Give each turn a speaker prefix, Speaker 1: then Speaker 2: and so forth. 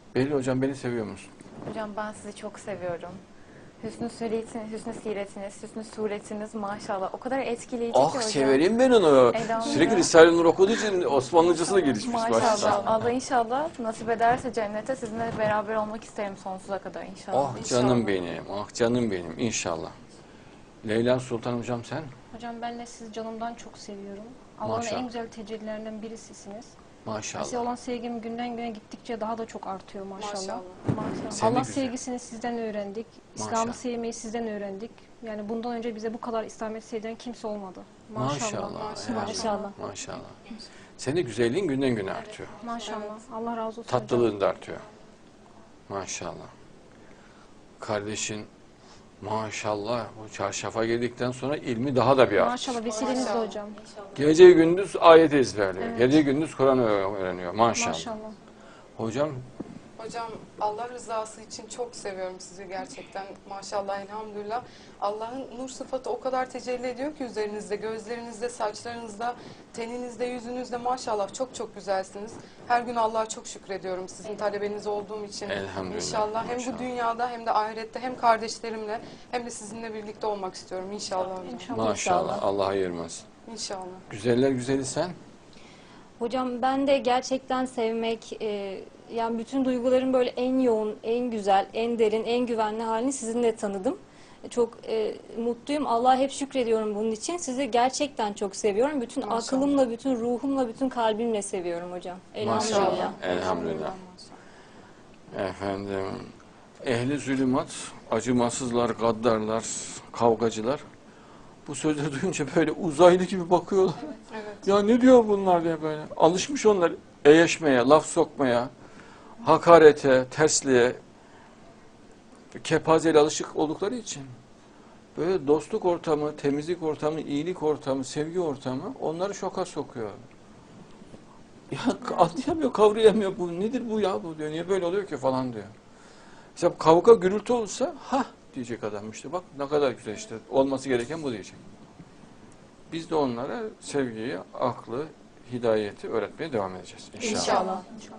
Speaker 1: Behlül hocam beni seviyor musun?
Speaker 2: Hocam ben sizi çok seviyorum. Hüsnü siretiniz, hüsnü suretiniz maşallah. O kadar etkileyici ki
Speaker 1: Ah
Speaker 2: hocam.
Speaker 1: severim ben onu. Sürekli
Speaker 2: Elhamdülillah.
Speaker 1: Risale-i Nur okuduğu için Osmanlıcası da gelişmiş
Speaker 2: Maşallah.
Speaker 1: başta.
Speaker 2: Allah inşallah nasip ederse cennete sizinle beraber olmak isterim sonsuza kadar inşallah.
Speaker 1: Ah canım benim, ah canım benim inşallah. Leyla Sultan hocam sen?
Speaker 3: Hocam ben de sizi canımdan çok seviyorum. Allah'ın
Speaker 1: Maşallah.
Speaker 3: en güzel tecellilerinden birisisiniz. Size
Speaker 1: Maşallah.
Speaker 3: olan sevgim günden güne gittikçe daha da çok artıyor maşallah.
Speaker 4: Maşallah.
Speaker 2: Maşallah.
Speaker 1: Sen de
Speaker 3: Allah
Speaker 1: güzel.
Speaker 3: sevgisini sizden öğrendik.
Speaker 1: Maşallah.
Speaker 3: İslam'ı sevmeyi sizden öğrendik. Yani bundan önce bize bu kadar İslamiyet'i sevdiren kimse olmadı.
Speaker 1: Maşallah.
Speaker 3: Maşallah.
Speaker 2: Maşallah.
Speaker 1: Maşallah. Senin güzelliğin günden güne artıyor.
Speaker 3: Maşallah. Allah razı olsun hocam.
Speaker 1: Tatlılığın da artıyor. Maşallah. Kardeşin maşallah bu çarşafa geldikten sonra ilmi daha da bir arttı.
Speaker 3: Maşallah vesileniz de hocam.
Speaker 1: Gece gündüz ayet ezberliyor.
Speaker 3: Evet.
Speaker 1: Gece gündüz Kur'an öğreniyor. Maşallah.
Speaker 3: Maşallah.
Speaker 1: Hocam
Speaker 4: Hocam Allah rızası için çok seviyorum sizi gerçekten. Maşallah elhamdülillah. Allah'ın nur sıfatı o kadar tecelli ediyor ki üzerinizde, gözlerinizde, saçlarınızda, teninizde, yüzünüzde maşallah çok çok güzelsiniz. Her gün Allah'a çok şükrediyorum sizin talebeniz olduğum için.
Speaker 1: Elhamdülillah.
Speaker 4: İnşallah hem
Speaker 1: Maşallah.
Speaker 4: bu dünyada hem de ahirette hem kardeşlerimle hem de sizinle birlikte olmak istiyorum inşallah hocam.
Speaker 3: İnşallah.
Speaker 1: maşallah Allah ayırmasın.
Speaker 4: İnşallah.
Speaker 1: Güzeller güzeli sen.
Speaker 5: Hocam ben de gerçekten sevmek, yani bütün duyguların böyle en yoğun, en güzel, en derin, en güvenli halini sizinle tanıdım. Çok mutluyum. Allah'a hep şükrediyorum bunun için. Sizi gerçekten çok seviyorum. Bütün
Speaker 4: Maşallah.
Speaker 5: aklımla, bütün ruhumla, bütün kalbimle seviyorum hocam. Elhamdülillah.
Speaker 1: Maşallah. Elhamdülillah. Efendim ehli zulümat, acımasızlar, gaddarlar, kavgacılar bu sözleri duyunca böyle uzaylı gibi bakıyorlar.
Speaker 4: Evet.
Speaker 1: Ya ne diyor bunlar diye böyle. Alışmış onlar eyeşmeye, laf sokmaya, hakarete, tersliğe, kepazeyle alışık oldukları için. Böyle dostluk ortamı, temizlik ortamı, iyilik ortamı, sevgi ortamı onları şoka sokuyor. Ya anlayamıyor, kavrayamıyor bu. Nedir bu ya bu diyor. Niye böyle oluyor ki falan diyor. Mesela kavga gürültü olsa ha diyecek adam işte bak ne kadar güzel işte olması gereken bu diyecek. Biz de onlara sevgiyi, aklı, hidayeti öğretmeye devam edeceğiz inşallah.
Speaker 4: İnşallah.